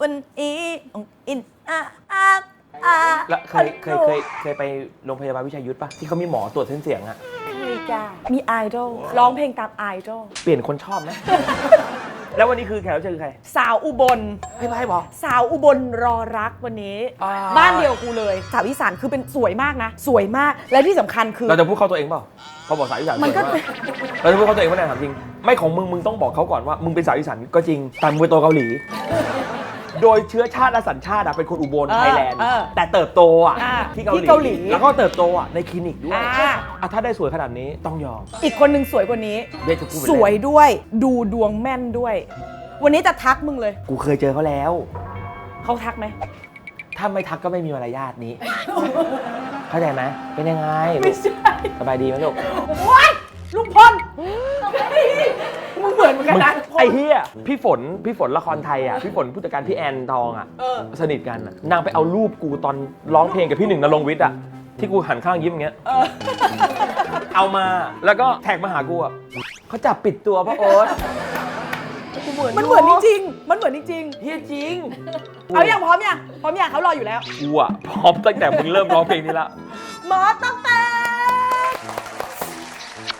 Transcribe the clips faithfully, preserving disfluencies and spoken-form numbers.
วันนี้อินอาอาอาแล้วเคยเคยเคยเคยไปโรงพยาบาลวิชัยยุทธปะที่เขามีหมอตรวจเส้นเสียงอะมีจ้ามีไอดอลร้องเพลงตามไอดอลเปลี่ยนคนชอบไหม แล้ววันนี้คือแขกรับเชิญคือใครสาวอุบลให้ไปบอกสาวอุบลรอรักวันนี้อ่าบ้านเดียวกูเลยสาวอีสานคือเป็นสวยมากนะ สวยมากและที่สำคัญคือเราจะพูดเข้าตัวเองเปล่าพอบอกสาวอีสานมันก็สวยากเราจะพูดเข้าตัวเองว่าไหนถามจริงไม่ของมึงมึงต้องบอกเขาก่อนว่ามึงเป็นสาวอีสานก็จริงแต่มึงเป็นตัวเกาหลี โดยเชื้อชาติและสัญชาติอะเป็นคนอุบลเออไทยแลนด์เออแต่เติบโตอะอ่าที่ที่เกาหลีแล้วก็เติบโตอะในคลินิกด้วยอ่าอ่ะถ้าได้สวยขนาดนี้ต้องยอมอีกคนหนึ่งสวยกว่านี้เด็กจะพูดไปสวยด้วยดูดวงแม่นด้วย วันนี้จะทักมึงเลยกูเคยเจอเขาแล้วเขาทักไหมถ้าไม่ทักก็ไม่มีมารยาทนี้ เข้าใจไหมเป็นยังไงไม่ใช่สบายดีไหมลูกว้ายลุงพลมึงเหมือนเหมือนกันมึงนะไอ้เหี้ยพี่ฝนพี่ฝนละครไทยอ่ะพี่ฝนผู้จัดการพี่แอนทองอ่ะเออสนิทกันอะนางไปเอารูปกูตอนร้องเพลงกับพี่หนึ่งนรงค์วิทย์อ่ะที่กูหันข้างยิ้มอย่างเงี้ยเออเอามาแล้วก็แท็กมาหากูอ่ะเขาจับปิดตัวพ่อโอ๊ตกูเหมือนมันเหมือนจริงๆมันเหมือนจริงเฮียจริงๆเอาอย่างพร้อมยังพร้อมยังเขารออยู่แล้วกูอ่ะพร้อมตั้งแต่มึงเริ่มร้องเพลงนี้ละหมอต้องแตก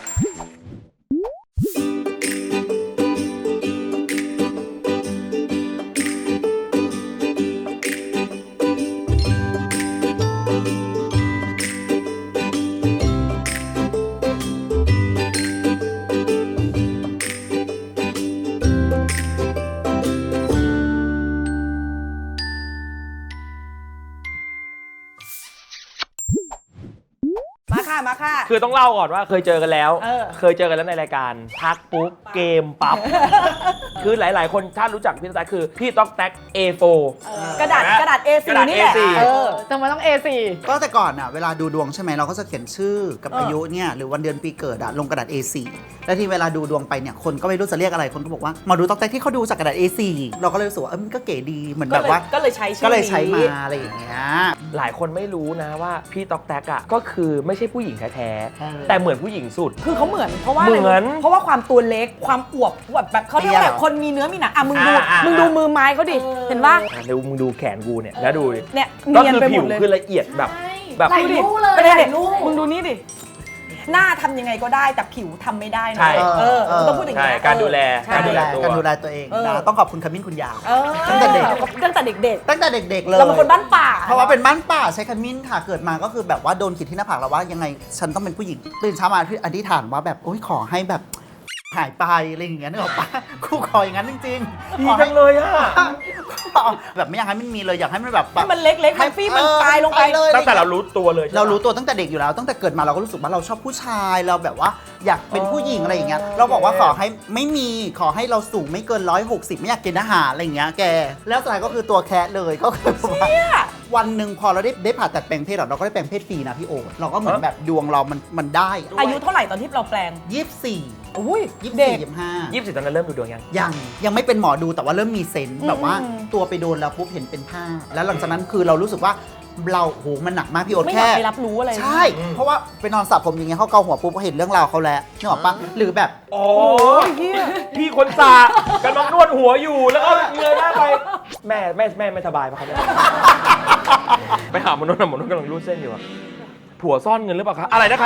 มาค่ะมาค่ะคือต้องเล่าก่อนว่าเคยเจอกันแล้วเออเคยเจอกันแล้วในรายการทักปุ๊บเกมปั๊บ คือหลาย ๆ คนถ้ารู้จักพี่ต๊อกแต๊กคือพี่ต๊อกแต๊ก เอ โฟร์กระดาษกระดาษ เอ โฟร์กระดาษนี่แหละเอ โฟร์เออทำไมต้อง เอ โฟร์ก็แต่ก่อนอ่ะเวลาดูดวงใช่ไหมเราก็จะเขียนชื่อกับเออออายุเนี่ยหรือวันเดือนปีเกิดอะลงกระดาษ เอ โฟร์ แล้วที่เวลาดูดวงไปเนี่ยคนก็ไม่รู้จะเรียกอะไรคนก็บอกว่าหมาดูต๊อกแต๊กที่เขาดูจากกระดาษ เอ โฟร์ เราก็เลยรู้สึกว่าเออมันก็เก๋ดีเหมือนแบบว่าก็เลยใช้ชื่อก็เลยใช้มานี้อะไรอย่างเงี้ยหลายคนไม่รู้นะว่าพี่ต๊อกแต๊กอ่ะก็คือไม่ใช่ผู้หญิงแท้เออๆแต่เหมือนผู้หญิงสุดคือเขาเหมือนเพราะว่าะไรเหมือนเพราะว่าความตัวเล็กความอวบแบบแบบเขาเรียกว่าแบบคนมีเนื้อมีหนังอ่ะมึงดูอ่าอ่ามึมึงดูมือไม้เขาดิเห็นปะอ่ะเดี๋ยวมึงดูแขนกูเนี่ยแล้วดูดิเนี่ยก็เนียนคือไปหผิมวดเลยคือละเอียดแบบแบบไหลลู่เลยไม่ได้ไหลเด็ลู่มึงดูนี่ดิหน้าทำยังไงก็ได้แต่ผิวทำไม่ได้นะใช่เออมึงต้องพูดอย่างใช่นี้ยการดูแลใช่การดูแลตัวการดูแลตัวเองเออนะต้องขอบคุณขมิ้นคุณยาเออตั้งแต่เด็กตั้งแต่เด็กตั้งแต่เด็กๆๆเลยเราเป็นคนบ้านป่าเพราะว่าเป็นบ้านป่าใช้ขมิ้นค่ะเกิดมาก็คือแบบว่าโดนขีดที่หน้าผากแล้วว่ายังไงฉันต้องเป็นผู้หญิงตื่นเช้ามาอธิษฐานว่าแบบโอ้ยขอให้แบบหายไปอะไรอย่างเงี้ยนึกออกปะกูขออย่างนั้นจริงๆดีขอจัให้งเลยอ่ะแบบไม่อยากให้มันมีเลยอยากให้มันแบบให้มันเล็กๆมันฟี่มันตายลงไปเลยตั้งแต่เรารู้ตัวเลยใช่ปะเรารู้ตัวตั้งแต่เด็กอยู่แล้วตั้งแต่เกิดมาเราก็รู้สึกว่าเราชอบผู้ชายเราแบบว่าอยากเป็นผู้หญิงอะไรอย่างเงี้ยเราบอกว่าขอให้ไม่มีขอให้เราสูงไม่เกินร้อยหกสิบไม่อยากกินอาหารอะไรอย่างเงี้ยแกแล้วสุดท้ายก็คือตัวแคะเลยก็คือว่าวันหนึ่งพอเราได้ได้ผ่าตัดแปลงเพศเราก็ได้แปลงเพศฟรีนะพี่โอ๊ตเราก็เหมือนแบบดวงเรามันมันได้อายุเท่าไหร่ตอนที่เราแปลงยี่สิบสี่อุ้ยยี่สิบเด็สี่กยี่สิบห้ายี่สิบตอนนั้นเริ่มดูดวงยังยังยังไม่เป็นหมอดูแต่ว่าเริ่มมีเซนส์อืมแบบว่าอืมตัวไปโดนแล้วปุ๊บเห็นเป็นผ้า แล้วหลังจากนั้นคือเรารู้สึกว่าเราโหมันหนักมากพี่โอ๊ตไม่อยาแค่กไปรับรู้อะไรใช่ เพราะว่าไปนอนสระผมอย่างเงี้ยเขาเกาหัวปุ๊บเขาเห็นเรื่องราวเขาแล้วนึกออกปะหรือแบบโอ้ยเหี้ยพี่คนสากกำลังนวดหัวอยู่แล้วก็เงยหน้าไปแม่แม่แม่ไม่สบายปะครับเนี่ยไปหาหมอนวดหมอนวดกำลังรูดเส้นอยู่อะผัวซ่อนเงินหรือเปล่าคะอะไรนะคะ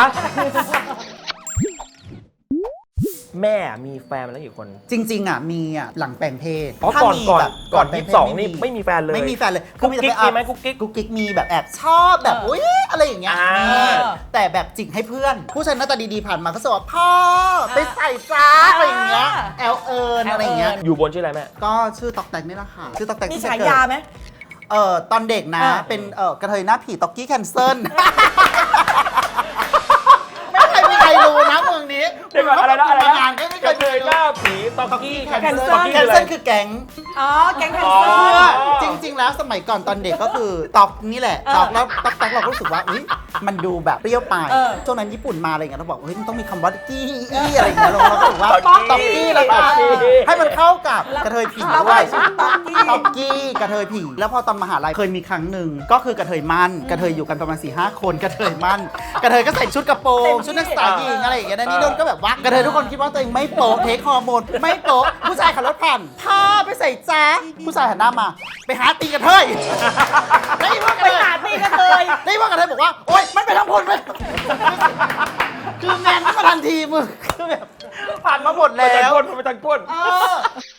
แม่มีแฟนมาแล้วกี่คนจริงๆอ่ะมีอ่ะหลังแปลงเพศอ๋อถ้าก่อนมีก่อนแบบก่อนแปลยี่งสิเพบศสองนี่ไม่มีแฟนเลยไม่มีแฟนเลยกุ๊กกิ๊กคือมีไหมแต่กุ๊กกิ๊กกุ๊กกิ๊กมีแบบแอบชอบแบบเอออุ้ยอะไรอย่างเงี้ยอ่ามีมีแต่แบบจิกให้เพื่อน ผู้ชายหน้าตาดีๆผ่านมาก็จะบอกพ่อไปใส่จ้าอะไรอย่างเงี้ยแอลเอิญอะไรอย่างเงี้ยอยู่บนชื่ออะไรแม่ก็ชื่อตอกแตกนี่แหละค่ะชื่อตอกแตกมีที่ฉาจะเกิดยาไหมเอ่อตอนเด็กนะอ่าเป็นเอ่อกระเทยหน้าผีต็อกกี้แคนเซิลไม่เคยมีใครรู้นะเมืองนี้เดี๋ยวก่อนอะไรนะอะไรนะงานก็ไม่เคกระยเทยหน้าผีตอกกี้แคนเซิลตอกกี้แคนอะไรเซิลคือแก๊งอ๋อแก๊งแคนอ๋อเซิลจจริง ๆ แล้วสมัยก่อนตอนเด็กก็คือตอกนี่แหละตอกแล้วตอกตอกเราก็รู้สึกว่าอุ๊ยมันดูแบบเปรี้ยวไปเออช่วงนั้นญี่ปุ่นมาอะไรอย่างเงี้ยเราบอกเฮ้ยมันต้องมีคำว่ากี้อี้อะไรอย่างเงี้ยเราเราก็บอกว่าต๊อกกี้ต๊อกกี้แล้วก็ต๊อกกี้ให้มันเข้ากับกระเทยผีแล้วด้วก็ยชื่อต๊อกกี้ต๊อกกี้กระเทยผีแล้วพอตอนมหาลัยเคยมีครั้งหนึ่งก็คือกระเทยมั่นกระเทยอยู่กันประมาณสี่ห้าคนกระเทยมั่นกระเทยก็ใส่ชุดกระโปรงชุดนักศึกษาหญิงอะไรอย่างเงี้ยนะนี่โดนก็แบบว่ากระเทยทุกคนคิดว่าตัวเองไม่โป๊ะเทคฮอร์โมนไม่โป๊ะผู้ชายขับรถผ่านพาไปใส่จ้าผู้ชายหันหน้ามาไปหาตีกระเทยได้ยินว่ากระไปเทยหาตีกันเลยได้ยินว่ากระเทยบอกว่าโอ๊ยมันไปทั้งพลไปคือแมนขึ้นมาทันทีมึงคือแบบผ่านมาหมดไปแล้ทางวก้นไปทางก้นเออ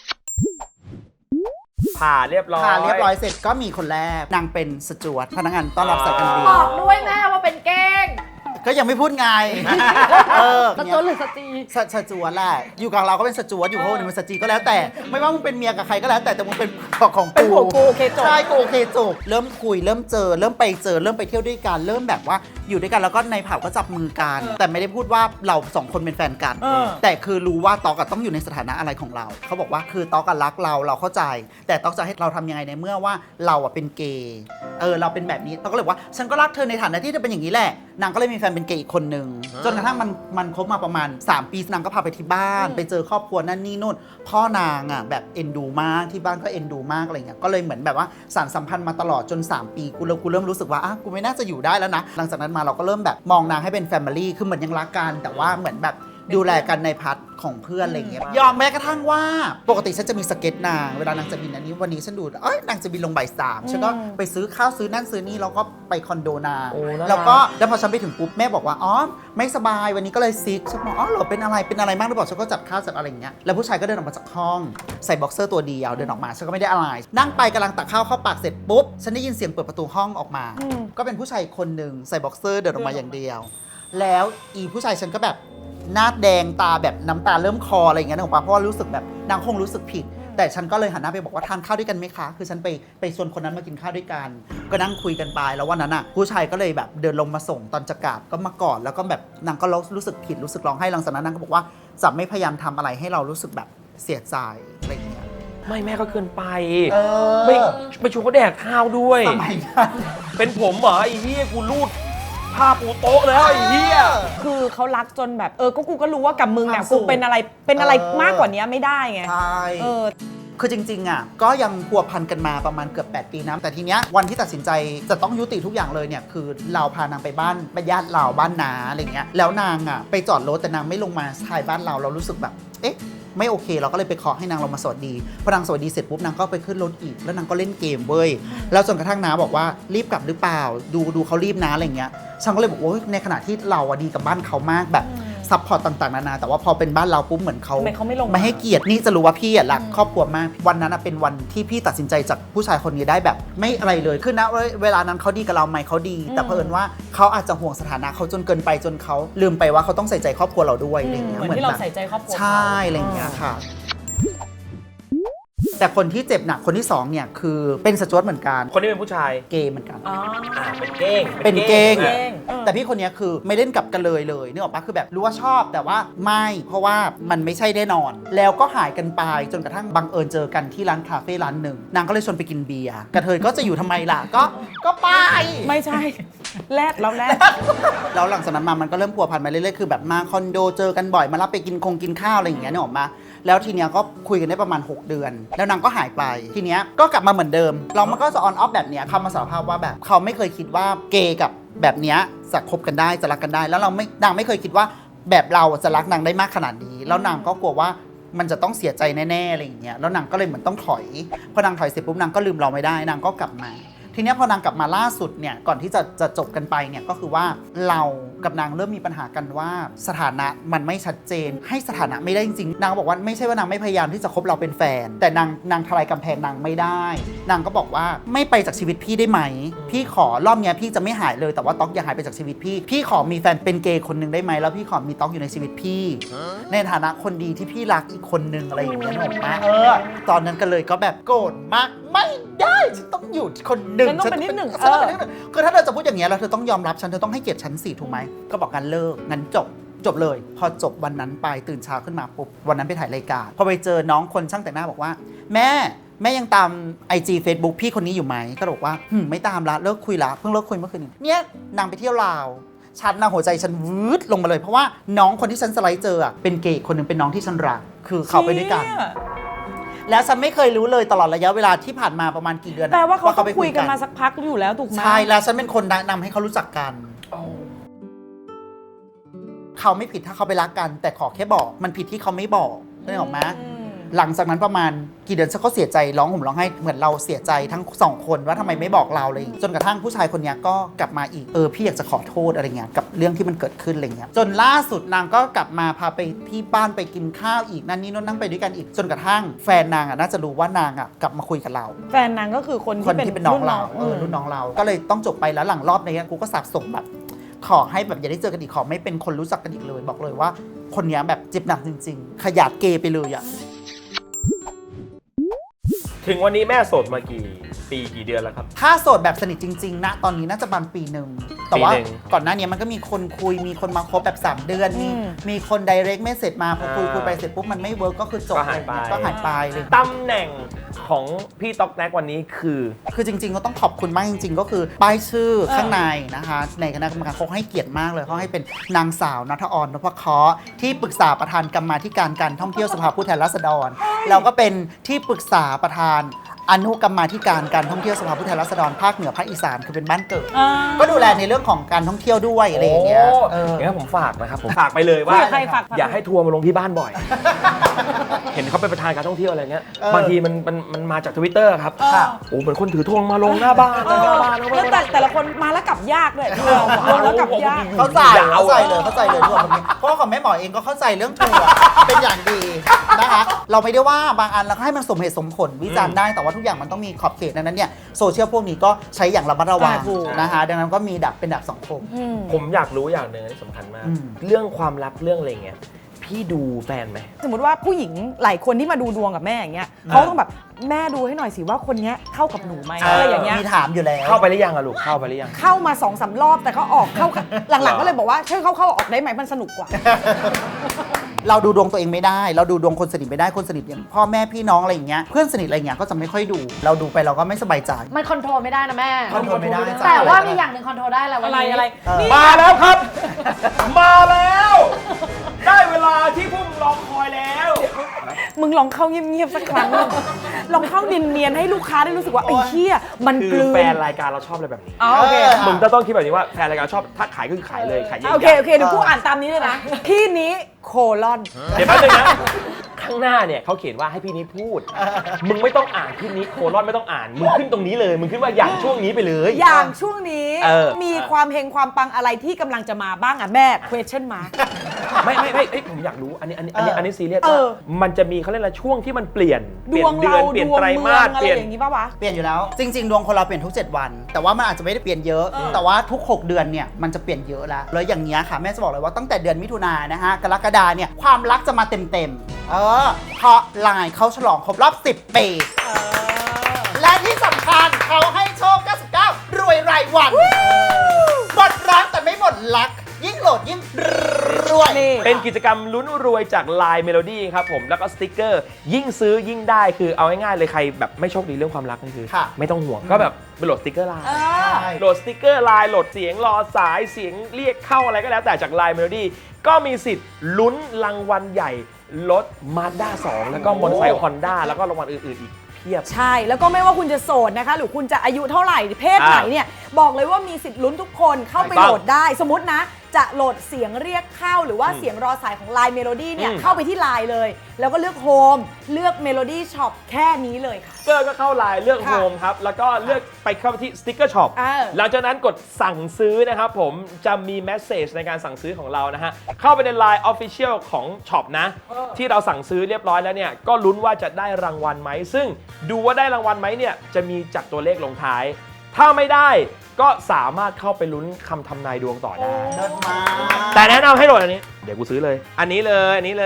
ผ่าเรียบร้อยผ่านเรียบร้อยเสร็จก็มีคนแรกนางเป็นสจวตพนักงานต้อนรับสายการบินบอกด้วยแม่ว่าเป็นเก้งก็ยังไม่พูดไง เออสจวตหรือสจีสสจวตแหละ อยู่กับเราก็เป็นสจวตอยู่กับคนอื่นเป็นสจีก็แล้วแต่ ไม่ว่ามึงเป็นเมียกับใครก็แล้วแต่แต่มึงเป็นของเป็นกูผัวกูโอเคจบใช่กูโอเคจบเริ่มคุยเริ่มเจอ เริ่มไปเจอ เริ่มไปเที่ยวด้วยกัน เริ่มแบบว่าอยู่ด้วยกันแล้วก็ในผับก็จับมือกัน แต่ไม่ได้พูดว่าเราสองคนเป็นแฟนกันเออแต่คือรู้ว่าต๊อกอะต้องอยู่ในสถานะอะไรของเรา เขาบอกว่าคือต๊อกอะรักเราเราเข้าใจ แต่ต๊อกจะให้เราทำยังไงในเมื่อว่าเราอะเป็นเกย์ เออเราเป็นแบบนี้ต๊อกก็เลยบอกว่าฉันก็รักเธอในฐานะที่เธอเป็นอย่างนี้แหละ นางก็เลยมีแฟนเป็นเกย์อีกคนนึง จนกระทั่งมันมันคบมาประมาณ สาม ปีนางก็พาไปที่บ้าน ไปเจอครอบครัวนั่นนี่นู่น พ่อนางอ่ะแบบเอ็นดูมากที่บ้านก็เอ็นดูมากอะไรเงี้ย ก็เลยเหมือนแบบว่าสานสัมพันธ์มาตลอดจน สาม ปีกูเริ่มกูเริ่มรู้สึกว่าอ่ะกูไม่น่าจะอยู่ได้แล้วนะ หลังจากนั้นมาเราก็เริ่มแบบมองนางให้เป็นแฟมิลี่ คือเหมือนยังรักกันแต่ว่าเหมือนแบบดูแลกันในพาร์ทของเพื่อนอะไรเงี้ย ยอมแม้กระทั่งว่าปกติฉันจะมีสเก็ตนาง เวลานางจะบินอันนี้วันนี้ฉันดูเอ้ยนางจะบินลงบ่ายสามฉันก็ไปซื้อข้าวซื้อนั่นซื้อนี่แล้วก็ไปคอนโดนางโอ้น่ารักแล้วก็แล้วพอฉันไปถึงปุ๊บแม่บอกว่าอ๋อไม่สบายวันนี้ก็เลยซิกฉันบอกอ๋อเหรอเป็นอะไรเป็นอะไรมากหรือเปล่าฉันก็จัดข้าวจัดอะไรอย่างเงี้ยแล้วผู้ชายก็เดินออกมาจากห้องใส่บ็อกเซอร์ตัวเดียวเดินออกมาฉันก็ไม่ได้อะไรนั่งไปกำลังตักข้าวเข้าปากเสร็จปุ๊บฉันได้ยินเสียงเปิดประตูห้องออกมาอืมก็เป็นผู้ชายคนหนึ่งใส่บ็อกเซอร์เดินออกมาอย่างเดียว แล้วอีผู้ชายฉันก็แบบหน้าแดงตาแบบน้ำตาเริ่มคออะไรอย่างเงี้ยนึกออกปะเพราะว่ารู้สึกแบบนางคงรู้สึกผิด แต่ฉันก็เลยหันหน้าไปบอกว่าทานข้าวด้วยกันไหมคะ คือฉันไปไปชวนคนนั้นมากินข้าวด้วยกัน ก็นั่งคุยกันไปแล้ววันนั้นอ่ะผู้ชายก็เลยแบบเดินลงมาส่งตอนจะกลับก็มากอดแล้วก็แบบนางก็รู้สึกผิดรู้สึกร้องไห้หลังจากนั้นนางก็บอกว่าจะไม่พยายามทำอะไรให้เรารู้สึกแบบเสียใจอะไรอย่างเงี้ยไม่แม่ก็เกินไปเออไม่ไปชวนเขาแดกข้าวด้วยสมัยนั้นเป็นผมเหรอไอ้เหี้ยกูรูดผ้าปูโต๊ะแล้วไอ้เหี้ยคือเขารักจนแบบเออก็กูก็รู้ว่ากับมึงเนี่ยความสุกูขเป็นอะไรเป็นอะไรเออมากกว่านี้ไม่ได้ไงใช่เออคือจริงๆอ่ะก็ยังพัวพันกันมาประมาณเกือบแปดปีนะแต่ทีเนี้ยวันที่ตัดสินใจจะต้องยุติทุกอย่างเลยเนี่ยคือเราพานางไปบ้านไปญาติเราบ้านนาอะไรเงี้ยแล้วนางอ่ะไปจอดรถแต่นางไม่ลงมาชายบ้านเราเรารู้สึกแบบเอ๊ะไม่โอเค เราก็เลยไปเคาะให้นางลงมาสวัสดีพอนางสวัสดีเสร็จปุ๊บนางก็ไปขึ้นรถอีกแล้วนางก็เล่นเกมเว้ยแล้วจนกระทั่งน้าบอกว่ารีบกลับหรือเปล่าดูดูเขารีบนะอะไรเงี้ยฉันก็เลยบอกว่าในขณะที่เราอะดีกับบ้านเขามากแบบซัพพอร์ตต่างๆนานาแต่ว่าพอเป็นบ้านเราปุ๊บเหมือนเขาทำไมเขาไม่ลงมาไม่ให้เกียรตินี่จะรู้ว่าพี่อ่ะรักครอบครัวมาก วันนั้นอะเป็นวันที่พี่ตัดสินใจจากผู้ชายคนนี้ได้แบบ ไม่อะไรเลยคือนะเวลานั้นเขาดีกับเราไหมเขาดี แต่เผอิญว่าเขาอาจจะห่วงสถานะเขาจนเกินไปจนเขาลืมไปว่าเขาต้องใส่ใจครอบครัวเราด้วยอะไรอย่างเงี้ยเหมือนที่เราแบบใส่ใจครอบครัวใช่อะไรอย่างเงี้ยค่ะ แต่คนที่เจ็บหนักคนที่สองเนี่ยคือเป็นสจวตเหมือนกันคนนี้เป็นผู้ชายเกย์เหมือนกันอ๋ออ่าเป็นเก้งเป็นเก้งอ่ะเก้งเออแต่พี่คนเนี้ยคือไม่เล่นกับกันเลยเลยนึกออกปะคือแบบรู้ว่าชอบแต่ว่าไม่เพราะว่ามันไม่ใช่แน่นอน แล้วก็หายกันไปจนกระทั่งบังเอิญเจอกันที่ร้านคาเฟ่ร้านหนึ่งนางก็เลยชวนไปกินเบียร์กระเทยก็จะอยู่ทำไมล่ะก็ก็ไปไม่ใช่ แรดแล้วแรดแล้วหลังจากนั้นมามันก็เริ่มพัวพันมาเรื่อยๆคือแบบมาคอนโดเจอกันบ่อยมารับไปกินคงกินข้าวอะไรอย่างเงี้ยนึกออกมาแล้วทีเนี้ยก็คุยกันได้ประมาณหกเดือน แล้วนางก็หายไปทีเนี้ยก็กลับมาเหมือนเดิมเรามันก็จะออนออฟแบบเนี้ยเขามาสารภาพว่าแบบเขาไม่เคยคิดว่าเกย์กับแบบเนี้ยจะคบกันได้จะรักกันได้ แล้วเราไม่นางไม่เคยคิดว่าแบบเราจะรักนางได้มากขนาดนี้ แล้วนางก็กลัวว่ามันจะต้องเสียใจแน่ๆอะไรอย่างเงี้ยแล้วนางก็เลยเหมือนต้องถอยพอนางถอยเสร็จปุ๊บนางก็ลืมเราไม่ได้นางก็กลับมา ทีเนี้ยพอนางกลับมาล่าสุดเนี่ยก่อนที่จะจะจบกันไปเนี่ยก็คือว่าเรากับนางเริ่มมีปัญหากันว่าสถานะมันไม่ชัดเจนให้สถานะไม่ได้จริงๆนางบอกว่าไม่ใช่ว่านางไม่พยายามที่จะคบเราเป็นแฟน แต่นางนางทลายกำแพงนางไม่ได้ นางก็บอกว่าไม่ไปจากชีวิตพี่ได้ไหมพี่ขอรอบเนี้ยพี่จะไม่หายเลยแต่ว่าต๊อกอย่าหายไปจากชีวิตพี่พี่ขอมีแฟนเป็นเกย์คนหนึ่งได้ไหมแล้วพี่ขอมีต๊อกอยู่ในชีวิตพี่ ในฐานะคนดีที่พี่รักอีกคนนึงอะไรอย่างเงี้ยหนูนะเออตอนนั้นก็เลยก็แบบโกรธมากไม่ได้ฉันต้องอยู่คนหนึ่งฉันต้องเป็นนิดหนึ่งฉัต้องเป็นนิดหนึ่งคือถ้าเธอจะพูดอย่างเงี้ยแล้วเธอต้องยอมรับฉันเธอต้องให้เกียรติฉันสิถูกไหมก็บอกกันเลิกงั้นจบจบเลย พอจบวันนั้นไปตื่นเช้าขึ้นมาปุ๊บวันนั้นไปถ่ายรายการพอไปเจอน้องคนช่างแต่งหน้าบอกว่า แม่แม่ยังตาม ไอ จี Facebook พี่คนนี้อยู่ไหมก็บอกว่าหึไม่ตามละเลิกคุยละเพิ่งเลิกคุยเมื่อคืนนี้เนี่ยนางไปเที่ยวลาวฉันนะหัวใจฉันวืดลงมาเลยเพราะว่าน้องคนที่ฉันสไลด์เจออะเป็นเกย์คนหนึ่งเป็นน้องที่ฉันรักคือเขาไปด้วยกัน แล้วฉันไม่เคยรู้เลยตลอดระยะเวลาที่ผ่านมาประมาณกี่เดือนแปลว่าเขาต้องไปคุยกันมาสักพักอยู่แล้วถูกไหมใช่แล้วฉันเป็นคนแนะนำให้เขารู้จักกันเขาไม่ผิดถ้าเขาไปรักกัน แต่ขอแค่บอกมันผิดที่เขาไม่บอกได้หรอกไหมหลังจากนั้นประมาณกี่เดือนฉันก็เสียใจร้องห่มร้องไห้เหมือนเราเสียใจทั้งสองคนว่าทำไมไม่บอกเราเลยจนกระทั่งผู้ชายคนนี้ก็กลับมาอีกเออพี่อยากจะขอโทษอะไรเงี้ยกับเรื่องที่มันเกิดขึ้นอะไรเงี้ยจนล่าสุดนางก็กลับมาพาไปที่บ้านไปกินข้าวอีกนั่นนี่นู่นนั่งไปด้วยกันอีกจนกระทั่งแฟนนางอ่ะน่าจะรู้ว่านางอ่ะกลับมาคุยกับเราแฟนนางก็คือคนคนที่ที่เป็เป็น นน้องเรารุ่เออรุ่นน้องเราก็เลยต้องจบไปแล้วหลังรอบนี้กูก็สับสนแบบขอให้แบบอย่าได้เจอกันอีกขอไม่เป็นคนรู้จักกันอีกเลยบอกเลยว่าคนนี้แบบเจ็บหนักจริงๆ ขยาดเกย์ไปเลยอ่ะถึงวันนี้แม่โสดมากี่ปีกี่เดือนแล้วครับถ้าโสดแบบสนิทจริงๆนะตอนนี้น่าจะประมาณปีหนึ่งแต่ว่าปีหนึ่งก่อนหน้านี้มันก็มีคนคุยมีคนมาคบแบบ สาม เดือนมีมีคน direct message มาพอคุยอ่าคุยไปเสร็จปุ๊บมันไม่เวิร์กก็คือจบก็หายไปก็หายไปเลยตำแหน่งของพี่ต๊อกแน็กวันนี้คือคือจริงๆก็ต้องขอบคุณมากจริงๆ ก็คือป้ายชื่อข้างในนะคะในคณะกรรมการเขาให้เกียรติมากเลยเขาให้เป็นนางสาวณัฐออนนพเคราะห์ที่ปรึกษาประธานกรรมาธิการการท่องเที่ยวสภาผู้แทนราษฎรแล้วก็เป็นที่ปรึกษาประธานอนุกรรมาธิการการท่องเที่ยวสภาผู้แทนราษฎรภาคเหนือภาคอีสานคือเป็นบ้านเกิดอ่าก็ดูแลในเรื่องของการท่องเที่ยวด้วยอะไรอย่างเงี้ยโเอองั้นผมฝากนะครับผมฝากไปเลยคุว่ายกับใครฝากอย่าให้ทัวร์มาลงที่บ้านบ่อย เห็นเขาเป็นประธานการท่องเที่ยวอะไรเงี้ยเออบางทีมันมันมันมาจากทวิตเตอร์ครับเออโอ้เหมือนคนถือธงมาลงหน้าบ้านเออหน้าบ้านหน้าแล้วบ้านแต่แต่ละคนมาแล้วกลับยากด้วยลงแล้วกลับยากเข้าใจเข้าใจเลยเข้าใจเลยทุกคนเพราะว่าของแม่หมอเองก็เข้าใจเรื่องทัวร์เป็นอย่างดีนะคะเราไม่ได้ว่าบางอันเราก็ให้มันสมเหตุสมผลวิจารณ์ได้แต่ว่าทุกอย่างมันต้องมีขอบเขตดังนั้นเนี่ยโซเชียลพวกนี้ก็ใช้อย่างระมัดระวังอ่าถูกนะคะดังนั้นก็มีดับเป็นดับสังคมอืมผมอยากรู้อย่างหนึ่งที่สำคัญมากอืมเรื่องความรักเรื่องอะไรเงี้ยพี่ดูแฟนไหมสมมติว่าผู้หญิงหลายคนที่มาดูดวงกับแม่อย่างเงี้ยเขาต้องแบบแม่ดูให้หน่อยสิว่าคนเนี้ยเข้ากับหนูไหมอะไรอย่างเงี้ยมีถามอยู่แล้วเข้าไปหรือยังอะลูกเข้าไปหรือยังเข้ามาสองสามรอบแต่ก็ออกเข้าหลังๆก็เลยบอกว่าช่วยเข้าเข้าออกได้ไหมมันสนุกกว่าเราดูดวงตัวเองไม่ได้ เราดูดวงคนสนิทไม่ได้คนสนิทอย่างพ่อแม่พี่น้องอะไรอย่างเงี้ยเพื่อนสนิทอะไรอย่างเงี้ยก็จะไม่ค่อยดู เราดูไปเราก็ไม่สบายใจมันคอนโทรลไม่ได้นะแม่คอนโทรลไม่ได้จ้ะแต่ว่ามีอย่างหนึ่งคอนโทรลได้แล้ววันอะไรนี้อะไรเออนี่มาแล้วครับ มาแล้ว ได้เวลาที่พวกมึงรอคอยแล้วมึงลองเข้าเงียบๆสักครั้งหนึ่งลองเข้าเนียนๆให้ลูกค้าได้รู้สึกว่าไอ้เหี้ยมันคืกอลืนแฟนรายการเราชอบอะไรแบบนี้อ๋อโอเคมึงจะต้องคิดแบบนี้ว่าแฟนรายการชอบถ้าขายก็คือขายเลยขายเยอะๆโอเคโอเคเดี๋ยวกูอ่านตามนี้เลยนะพี่นี้โคลอนเดี๋ยวแป๊บนึงนะ ข้างหน้าเนี่ยเขาเขียนว่าให้พี่นี้พูด มึงไม่ต้องอ่านพี่นี้โคลอนไม่ต้องอ่าน มึงขึ้นตรงนี้เลย มึงขึ้นว่าอย่างช่วงนี้ไปเลยอย่างช่วงนี้เออมีความเฮงความปังอะไรที่กำลังจะมาบ้างอ่ะแม่ question mark ไม่ไม่ไม่เอ้ยผมอยากรู้ อันนี้อันนี้อันนี้อันนี้ซีเรียสเอว่าอมันจะมีเขาเรียกอะไรช่วงที่มันเปลี่ยนดเปลี่วยนงเดือเรานเปลี่ยดนวงไตรเมืมาองสอะเปไรลี่ยนอย่างงี้ป่าวะเปลี่ยนอยู่แล้ว จริง ๆ ดวงคนเราเปลี่ยนทุก เจ็ด วัน แต่ว่ามันอาจจะไม่ได้เปลี่ยนเยอะ แต่ว่าทุก หก เดือนเนี่ยมันจะเปลี่ยนเยอะแล้วแล้วอย่างเงี้ยค่ะแม่จะบอกเลยว่าตั้งแต่เดือนมิถุนายนนะฮะกรกฎาเนี่ยความรักจะมาเต็มๆเออเพราะไลน์เขาฉลองครบรอบสิบปีและที่สำคัญเขาให้โชคเก้าสิบเก้ารวยรายวันหมดรักแต่ไม่หมดรัก ยิ่งโหลดยิ่งรวยนี่เป็นกิจกรรมลุ้นรวยจาก ไลน์ Melody ครับผมแล้วก็สติกเกอร์ยิ่งซื้อยิ่งได้คือเอาง่ายๆเลยใครแบบไม่โชคดีเรื่องความรักนี่คือค่ะไม่ต้องห่วงก็แบบไปโหลดสติกเกอร์ไลน์เออโหลดสติกเกอร์ไลน์โหลดเสียงรอสายเสียงเรียกเข้าอะไรก็แล้วแต่จาก ไลน์ Melody ก็มีสิทธิ์ลุ้นรางวัลใหญ่รถ Mazda สอง แล้วก็มอเตอร์ไซค์ Honda แล้วก็รางวัลอื่นๆอีกเพียบใช่ แล้วก็ไม่ว่าคุณจะโสดนะคะ หรือคุณจะอายุเท่าไหร่เพศไหนเนี่ย บอกเลยว่ามีสิทธิ์ลุ้นทุกคนเข้าไปถูกต้องโหลดได้ สมมตินะ จะโหลดเสียงเรียกเข้าหรือว่าเสียงรอสายของ ไลน์ Melody เนี่ยอืมเข้าไปที่ ไลน์ เลย แล้วก็เลือกโฮมเลือก Melody Shop แค่นี้เลยค่ะเกอร์ก็เข้าไลน์เลือกค่ะโฮมครับ แล้วก็เลือกไปเข้าที่สติ๊กเกอร์ช็อปเออหลังจากนั้นกดสั่งซื้อนะครับผมจะมีแมสเซจในการสั่งซื้อของเรานะฮะ เข้าไปใน ไลน์ Official ของช็อปนะ ที่เราสั่งซื้อเรียบร้อยแล้วเนี่ย ก็ลุ้นว่าจะได้รางวัลไหม ซึ่งดูว่าได้รางวัลไหมเนี่ย จะมีจัดตัวเลขลงท้าย ถ้าไม่ได้ก็สามารถเข้าไปลุ้นคำทำนายดวงต่อได้เลิศมากแต่แนะนำให้โหลดอันนี้ เดี๋ยวกูซื้อเลย อันนี้เลย อันนี้เลย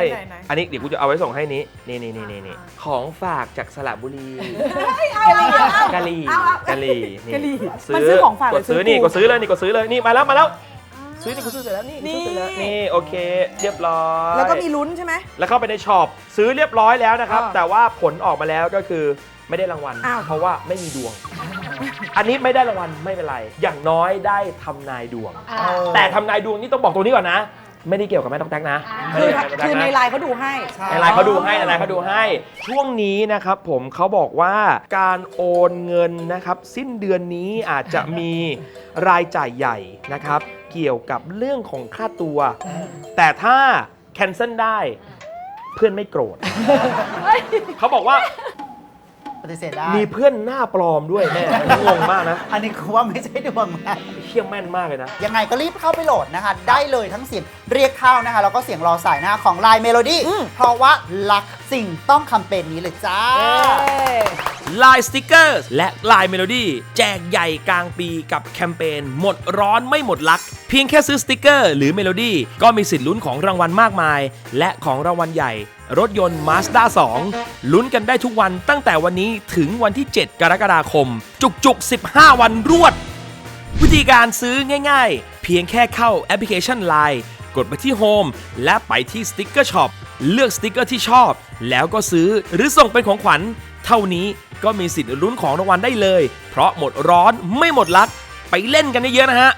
ไหนไหนไหนอันนี้เดี๋ยวกูจะเอาไว้ส่งให้นี้ นี่นี่นี่นี่นี่ของฝากจากสระบุรีเอาเอาเอากะหรี่เอาเอากะหรี่กะหรี่ซื้มันซื้อของฝากหกรืดอซื้ซื้ออนี่กูกดซื้อเลยนี่กดซื้อเลยนี่มาแล้วมาแล้วซื้อนี่คุณซื้อเสร็จแล้วนี่นี่คุณซื้อเสร็จแล้วนี่โอเค เรียบร้อยแล้วก็มีลุ้นใช่ไหมแล้วเข้าไปในช็อปซื้อเรียบร้อยแล้วนะครับอ่าแต่ว่าผลออกมาแล้วก็คือไม่ได้รางวัลอ้าวเพราะว่าไม่มีดวง อันนี้ไม่ได้รางวัลไม่เป็นไร อย่างน้อยได้ทำนายดวงอ่าเออแต่ทำนายดวงนี่ต้องบอกตัวนี้ก่อนนะ ไม่ได้เกี่ยวกับแม่ต้องแท็กนะอ่าไม่คือได้เกี่ยวกับแม่คือต้องในแท็กนะไลน์เขาดูให้ใช่ในไลน์เขาดูให้ในไลน์เขาดูให้ ช่วงนี้นะครับผมเขาบอกว่าการโอนเงินนะครับ สิ้นเดือนนี้อาจจะมีรายจ่ายใหญ่นะครับ เกี่ยวกับเรื่องของค่าตัว แต่ถ้าแคนเซิลได้เพื่อนไม่โกรธ เขาบอกว่าปฏิเสธได้มีเพื่อนหน้าปลอมด้วยแม่งงมากนะอันนี้คือว่าไม่ใช่ดวงนะเชี่ยแม่นมากเลยนะยังไงก็รีบเข้าไปโหลดนะคะ ได้เลยทั้งเสียงเรียกเข้านะคะ แล้วก็เสียงรอสายนะคะของ Line Melody เพราะว่ารักสิ่งต้องแคมเปญนี้เลยจ้า Line Stickers และ Line Melody แจกใหญ่กลางปีกับแคมเปญหมดร้อนไม่หมดลัก เพียงแค่ซื้อสติกเกอร์หรือ Melody ก็มีสิทธิ์ลุ้นของรางวัลมากมาย และของรางวัลใหญ่ รถยนต์ Mazda สอง ลุ้นกันได้ทุกวันตั้งแต่วันนี้ถึงวันที่ เจ็ด กรกฎาคม จุกๆ สิบห้า วันรวด วิธีการซื้อง่ายๆ เพียงแค่เข้าแอปพลิเคชัน Line กดไปที่ Home และไปที่ Sticker Shop เลือกสติกเกอร์ที่ชอบ แล้วก็ซื้อหรือส่งเป็นของขวัญ เท่านี้ก็มีสิทธิ์ลุ้นของรางวัลได้เลย เพราะหมดร้อนไม่หมดลัก ไปเล่นกันเยอะๆนะฮะ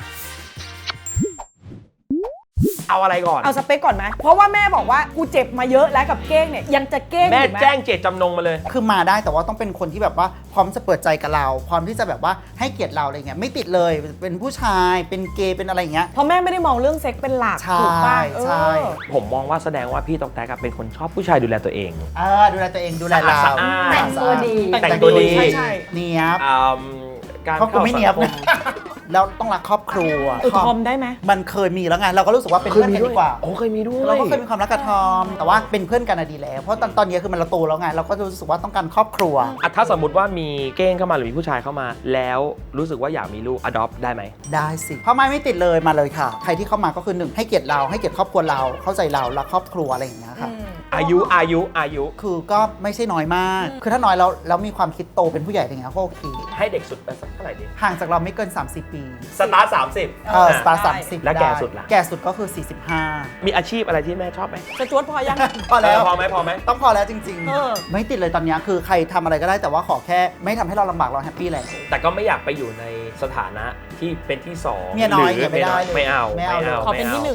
เอาอะไรก่อนเอาสเปคก่อนไหม เพราะว่าแม่บอกว่ากูเจ็บมาเยอะแล้วกับเก้งเนี่ยยังจะเก้งแม่อยู่ไหมแจ้งเจตจำนงมาเลยคือมาได้แต่ว่าต้องเป็นคนที่แบบว่าพร้อมจะเปิดใจกับเรา พร้อมที่จะแบบว่าให้เกียรติเราอะไรเงี้ยไม่ติดเลยเป็นผู้ชายเป็นเกย์เป็นอะไรเงี้ยเพราะแม่ไม่ได้มองเรื่องเซ็กเป็นหลักใช่ถูกป่ะเออใช่ผมมองว่าแสดงว่าพี่ตอกแตกอะเป็นคนชอบผู้ชายดูแลตัวเองเออดูแลตัวเองดูแลเราสะอาดแต่งตัวดีแต่งตัวดีใช่ใช่เนียบอืมการครอบครัวไม่เนียบข้านะสังคมแล้วต้องรักครอบครัวเออทอมได้ไหมมันเคยมีแล้วไงเราก็รู้สึกว่าเป็นเพื่อนกันดีกว่าโอ้เคยมีด้วยเราก็เคยมีความรักกับทอม แต่ว่าเป็นเพื่อนกันอะดีแล้ว เพราะตอนตอนนี้คือมันเราโตแล้วไง เราก็รู้สึกว่าต้องการครอบครัวอ่ะถ้าสมมติว่ามีเก้งเข้ามาหรือมีผู้ชายเข้ามา แล้วรู้สึกว่าอยากมีลูก adopt ได้ไหมได้สิเพราะไม่ไม่ติดเลยมาเลยค่ะ ใครที่เข้ามาก็คือหนึ่งให้เกียรติเราให้เกียรติครอบครัวเราเข้าใจเรารักครอบครัวอะไรอย่างเงี้ยค่ะอายุอายุอายุคือก็ไม่ใช่น้อยมาก คือถ้าน้อยแล้วแล้วมีความคิดโตเป็นผู้ใหญ่อะไรเงี้ยก็โอเคให้เด็กสุดไปสักเท่าไหร่ดีห่างจากเราไม่เกิน สามสิบ ปีสตาร์ทสามสิบเออสตาร์ได้สามสิบแล้วแก่สุดล่ะแก่สุดก็คือ สี่สิบห้ามีอาชีพอะไรที่แม่ชอบไหมจะจวดพอยังพอแล้วพอไหมพอไหมต้องพอแล้วจริงเออๆ ไม่ติดเลยตอนเนี้ยคือใครทำอะไรก็ได้แต่ว่าขอแค่ไม่ทำให้เราลำบากเราแฮปปี้แหละแต่ก็ไม่อยากไปอยู่ในสถานะที่เป็นที่สองเมียน้อยหรือไม่ได้เลยไม่เอาไม่เอาเลยขอเป็นที่หนึ่ง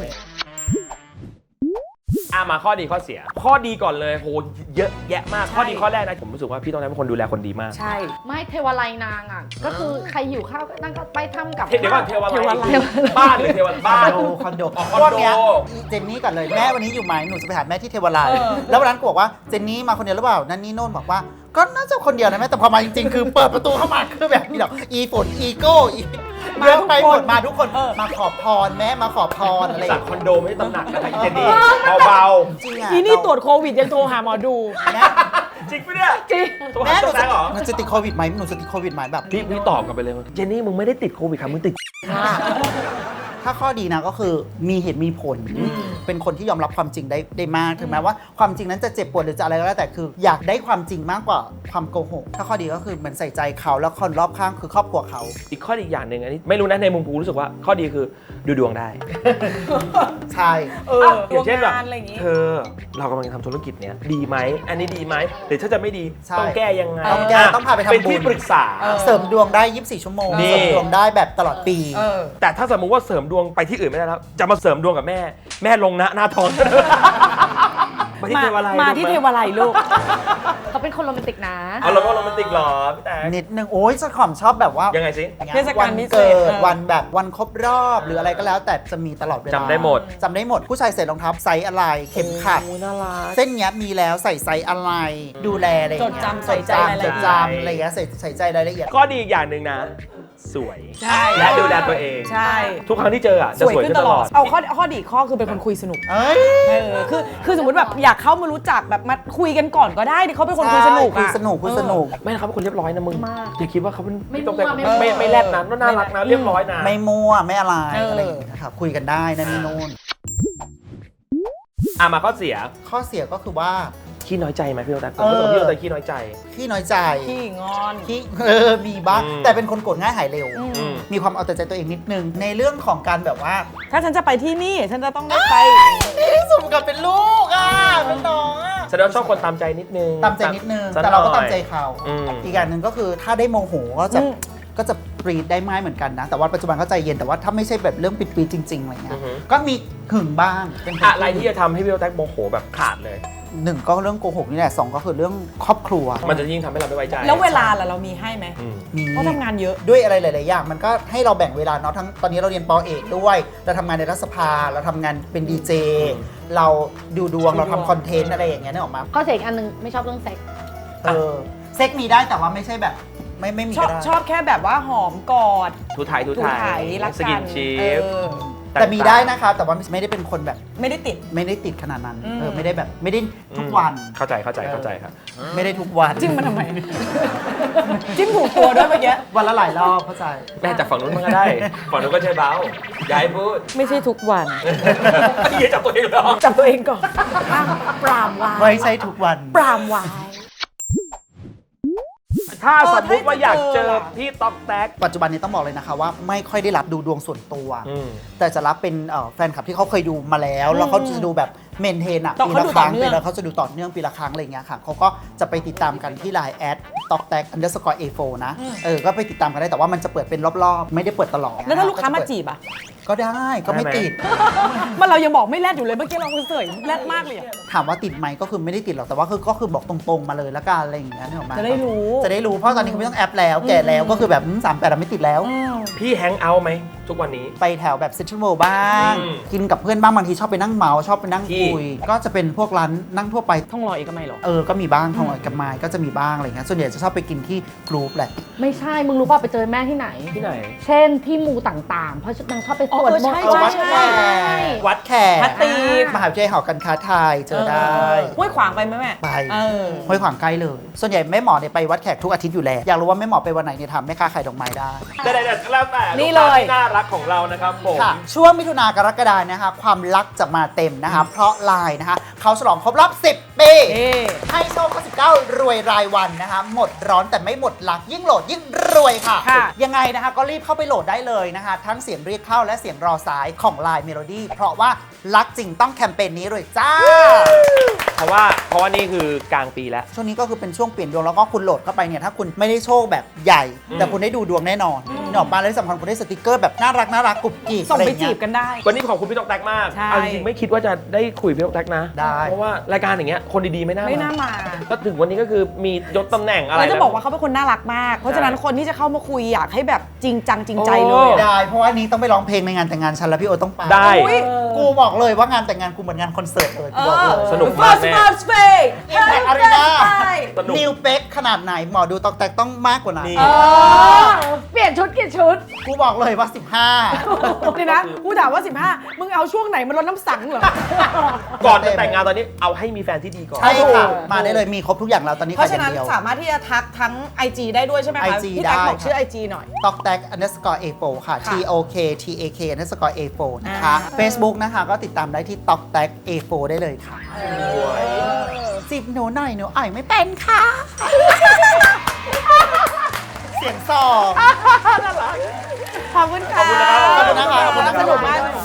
อ่ะมาข้อดีข้อเสีย ข้อดีก่อนเลยโหเยอะแยะมากใช่ข้อดีข้อแรกนะผมรู้สึกว่าพี่ต้องเป็นคนดูแลคนดีมากใช่ไม่เทวาลัยนางอ่ะ ก็คือใครหิวข้าวก็นั่งก็ไปทำกับเดี๋ยวก่อนเทวาเทวาลัลัยยบ้านหรือเทวาลัยคอบ้าน นโดคอนโดอ๋อคอนโดพวกเนี้ยเจนนี่ก่อนเลยแม่วันนี้อยู่ไหมหนูจะไปหาแม่ที่เทวาลัยเออแล้ววันนั้นก็บอกว่าเจนนี่มาคนเดียวหรือเปล่านั่นนี่โน่นบอกว่าก็น่าจะคนเดียวนะแม่แต่พอมาจริงๆ คือเปิดประตูเข้ามาคือแบบนี้หรอกอีฝนอีโก้อีเรื่องไปหมดมาทุกคนมาขอพรแม่มาขอพรอะไรอจากย่างคอเงี้ยนโดไม่ใช่ตำหนักนะเจนนี่เบาจริงอ่ะอีนี่ตรวจโควิดยังโทรหาหมอดูแม่ๆจริงปะเนี่ยจริงตัวแม่หาหนูตัวแตจะกเหรอหนูจะติดโควิดไหมหนูจะติดโควิดไหมแบบพี่พี่ตอบกลับไปเลยเจนนี่มึงไม่ได้ติดโควิดค่ะมึงติดถ้าข้อดีนะก็คือมีเหตุมีผล เป็นคนที่ยอมรับความจริงได้ได้มาก ถึงแม้ว่าความจริงนั้นจะเจ็บปวดหรือจะอะไรก็แล้วแต่คืออยากได้ความจริงมากกว่าความโกหก ถ้าข้อดีก็คือเหมือนใส่ใจเขาแล้วคนรอบข้างคือครอบครัวเขาอีกข้อดีอีกอย่างหนึ่งอันนี้ไม่รู้นะในมุมกูรู้สึกว่าข้อดีคือดูดวงได้ใช่เอออย่างเช่นแบบดวงงานอะไรอย่างงี้เธอเรากำลังจะทำธุรกิจเนี้ยดีไหมอันนี้ดีไหมหรือถ้าจะไม่ดีใช่ต้องแก้ยังไงต้องแก้ต้องพาไปทำบุญเป็นที่ปรึกษาเออเสริมดวงได้ยี่สิบสี่ชั่วโมงนี่เสริมดวงได้แบบตลอดปีเออแต่ถ้าสมมติว่าเสริมดวงไปที่อื่นไม่ได้แล้วจะมาเสริมดวงกับแม่ แม่ลงนะหน้าท้อง มาที่มาเทวาลัยมาที่เทวาลัยลูกเขาเป็นคนโรแมนติกนะเอาเราก็โรแมนติกเหรอพี่แต่นิดนึงโอ้ยจะขอมชอบแบบว่ายังไงสิเทศกาลวันพิเศษเกิดเออวันแบบวันครบรอบหรืออะไรก็แล้ว แต่จะมีตลอดเวลาจำได้หมดจำได้หมดผู้ชายใส่รองเท้าไซส์อะไรเข็มขัดโอ้น่ารักเส้นเนี้ยมีแล้วใส่ไซส์อะไร ดูแลอะไรอย่างเงี้ยจดจำใส่ใจรายละเอียดจดจำอะไรอย่างเงี้ยใส่ใส่ใจรายละเอียดข้อดีอีกอย่างหนึ่งนะ สวยใช่และดูแลตัวเองใช่ทุกครั้งที่เจออ่ะจะสวยสวยขึ้ขึ้นนตตลลออดดเอาข้อข้อดีข้อคือเป็นคนคุยสนุกเอ้ยเออคือคือสมมติแบบอยากเข้ามารู้จักแบบมาคุยกันก่อนก็ได้ดิเขาเป็นคนคุยสนุกคุยอะสนุกคุยสนุกไม่เขาเป็นคนเรียบร้อยนะมึงมากอย่าคิดว่าเขาเป็นไม่ต้องแต่มั่วไม่ไม่มั่วไม่แรดนะน่ารักนะเรียบร้อยนะไม่มั่วไม่อะไรเออออะไรอย่างเงี้ยครับคุยกันได้นั่นนี่โน่นอ่ะมาข้อเสียข้อเสียก็คือว่าขี้น้อยใจไหมพี่โอตั๊กผมรู้สึกว่าพี่โอตั๊กขี้น้อยใจขี้น้อยใจขี้งอนขี้เออมีบ้างอืมแต่เป็นคนโกรธง่ายหายเร็วอืมอืมมีความเอาแต่ใจตัวเองนิดนึง ในเรื่องของการแบบว่าถ้าฉันจะไปที่นี่ฉันจะต้องได้ไปนี่สมกับเป็นลูกอ่ะเป็นน้องอ่ะแสดงว่าชอบคนตามใจนิดนึงตามใจนิดนึงสัแต่เราก็หน่ตาอยมใจเขาอืมอีกอย่างหนึ่งก็คือถ้าได้โมโหก็จะอืมก็จะปรีดได้ไม้เหมือนกันนะ แต่ว่าปัจจุบันก็ใจเย็นแต่ว่าถ้าไม่ใช่แบบเรื่องปิดปีดจริงๆอะไรเงี้อืยอฮึก็มีหึงบ้างเป็นคนอะไรที่จะทำให้พี่โอตั๊กโมโหแบบขาดเลยหนึ่งก็เรื่องโกหกนี่แหละสองก็คือเรื่องครอบครัวมันจะยิ่งทำให้เราไม่ไว้ใจแล้วเวลาล่ะเรามีให้ไหมอืมมีเพราะทำงานเยอะด้วยอะไรหลาย ๆ อย่าง มันก็ให้เราแบ่งเวลาเนาะทั้งตอนนี้เราเรียนปอเอกด้วยเราทำงานในรัฐสภาเราทำงานเป็นดีเจอืมเราดูดวงดูดวงเราทำคอนเทนต์อะไรอย่างเงี้ยนึกออกมาข้อเสียอีกอันหนึงไม่ชอบเรื่องเซ็กส์เออเซ็กมีได้แต่ว่าไม่ใช่แบบไม่ไม่มีชอก็บได้ชอบแค่แบบว่าหอมกอดทูไทยทูถูไทไถยรักสกักินนชีเอฟอแต่มีได้นะคะ แต่ว่าไม่ได้เป็นคนแบบไม่ได้ติดไม่ได้ติดขนาดนั้นอืมเออไม่ได้แบบไม่ได้ทุกวันเข้าใจเข้าใจเข้าใจครับไม่ได้ทุกวันจิ้มมาทำไม จิ้มถูกตัวด้วยเมื่อกี้วันละหลายรอบเข้าใจแม่จากฝั่งนู้นมันก็ได้ ฝั่งนู้นก็ใช่เบาย้ายพูดไม่ใช่ทุกวันพี่จับตัวเองเหรอจับตัวเองก่อนอ่ะปรามวายไม่ใช่ทุกวันปรามวายถ้าสมมติว่าอยากเจอเออพี่ต๊อกแต๊กปัจจุบันนี้ต้องบอกเลยนะคะว่าไม่ค่อยได้รับดูดวงส่วนตัวอืมแต่จะรับเป็นเอ่อแฟนคลับที่เขาเคยดูมาแล้ว แล้วเขาจะดูแบบเมนเทนอะต่อปีเขาละดูครั้งต่อเนื่องปีละเขาจะดูต่อเนื่องปีละครั้งอะไรอย่างเงี้ยค่ะเขาก็จะไปติดตามกันที่ ไลน์ แอดตอกแตกอันเดอร์สกอร์เอโฟนะเออก็ไปติดตามกันได้แต่ว่ามันจะเปิดเป็นรอบๆ ไม่ได้เปิดตลอดแล้วถ้าลูกค้ามาจีบอ่ะก็ได้ก็ไม่ได้ไหมติดมันเรายังบอกไม่แรดอยู่เลยเมื่อกี้เราเสยแรดมากเลยอะถามว่าติดไหมก็คือไม่ได้ติดหรอกแต่ว่าคือก็คือบอกตรงๆมาเลยละกันอะไรอย่างเงี้ยนึกออกไหมจะได้รู้จะได้รู้เพราะตอนนี้คือไม่ต้องแอปแล้วแก่แล้วก็คือแบบสามแปดไม่ติดแล้วอืมพี่แฮงเอาท์ไหมทุกวันนี้ไปแถวแบบเซ็นทรัลเวิลด์บ้างอืมกินกับเพื่อนบ้างบางทีชอบไปนั่งเมาส์ชอบไปนั่งที่คุย ก็จะเป็นพวกร้านนั่งทั่วไปท่องรอเอกมัยเหรอเออ ก็มีบ้างทองหน่อยกับไม้ก็จะมีบ้างอะไรเงี้ยส่วนใหญ่จะชอบไปกินที่กรุ๊ปแหละไม่ใช่ มึงรู้ป่ะไปเจอแม่ที่ไหนที่ไหนเช่นที่มูต่างๆ เพราะนางชอบไปสวดอ๋อมนต์ใช่เอาวัดใช่แขใช่กวัดแขกพัตตีกมหาวิทยาลัยหอการค้าไทยเจอได้ห้วยขวางไปไหมแม่ไปเออห้วยขวางใกล้เลย ส่วนใหญ่แม่หมอเนี่ยไปวัดแขกทุกอาทิตย์อยู่แล้ว อยากรู้ว่าแม่หมอไปวันไหนเนี่ยถามแม่ค้าขายดอกไม้ได้แต่แต่แต่แล้วแต่นี่ลูกค้าเลยที่น่ารักของเรานะครับผมค่ะช่วงมิถุนากรกฎานะคะความรักจะมาเต็มนะคะ เพราะไลน์นะคะเขาฉลองครบรอบ สิบ ปีเอ๊ะให้โชคสิบเก้ารวยรายวันนะคะ หมดร้อนแต่ไม่หมดรัก ยิ่งโหลดยิ่งรวยค่ะค่ะยังไงนะคะก็รีบเข้าไปโหลดได้เลยนะคะ ทั้งเสียงเรียกเข้าและเสียงรอสายของ Line Melody เพราะว่ารักจริงต้องแคมเปญนี้เลยจ้าเพราะว่าเพราะว่านี่คือกลางปีแล้วช่วงนี้ก็คือเป็นช่วงเปลี่ยนดวงแล้วก็คุณโหลดเข้าไปเนี่ยถ้าคุณไม่ได้โชคแบบใหญ่อืมแต่คุณได้ดูดวงแน่นอนนี่ออกมาแล้วที่สำคัญคุณได้สติกเกอร์แบบน่ารักน่ารักกรุบกริบส่งอะไรอไปย่างจีเงี้บยกันได้วันนี้ขอบคุณพี่ต๊อกแต๊กมากใช่เอาจริงๆไม่คิดว่าจะได้คุยพี่ต๊อกแต๊กนะได้เพราะว่ารายการอย่างเงี้ยคนดีๆไม่น่าไม่น่ามาก็ถึงวันนี้ก็คือมียศตำแหน่งอะไรแล้วจะนบอกว่าเขาเป็นคนน่ารักมาก เพราะฉะนั้นคนที่จะเข้ามาคุยอยากให้แบบจริงจังจริงใจเลยโอ้อะได้เพราะว่านี้ต้องไปร้องเพลงในงานแต่งงานฉันแล้วพี่โอต้องไปได้อุ๊ยกูบอกเลยว่างานแต่งงานกูเหมือนงานคอนเสิร์ตเลยกูบอกเลยสนุกมากแม่ First Space Impact Arena สนุกนิวเป็กขนาดไหนหมอดูตอกแตกต้องมากกว่านั้นนี่เออเปลี่ยนชุดกี่ชุดกูบอกเลยว่า สิบห้าเดี๋ยวนะกูถามว่า สิบห้า มึงเอาช่วงไหนมาลดน้ำสังเหรอก่อนจะแต่งงานตอนนี้เอาให้มีแฟนที่ดีก่อนใช่ค่ะถูกมาได้เลยมีครบทุกอย่างแล้วตอนนี้เพราะขายอฉะนั้ย่าน งเดียวสามารถที่จะทักทั้ง ไอ จี ได้ด้วยใช่ไหมคะไอ จีพี่แท็กได้บอกชื่อค่ะไอ จี หน่อยตอกแตก underscore เอ โฟร์ ค่ะค่ะ T O K T A K underscore เอ โฟร์ นะคะอ่า Facebook นะคะก็ติดตามได้ที่ตอกแตก เอ โฟร์ ได้เลยค่ะจีบหนูหน่อยหนูอ่อยไม่เป็นค่ะ เสียงสองขอบคุณค่ะขอบคุณนะครับขอบคุณนะคะสนุกมาก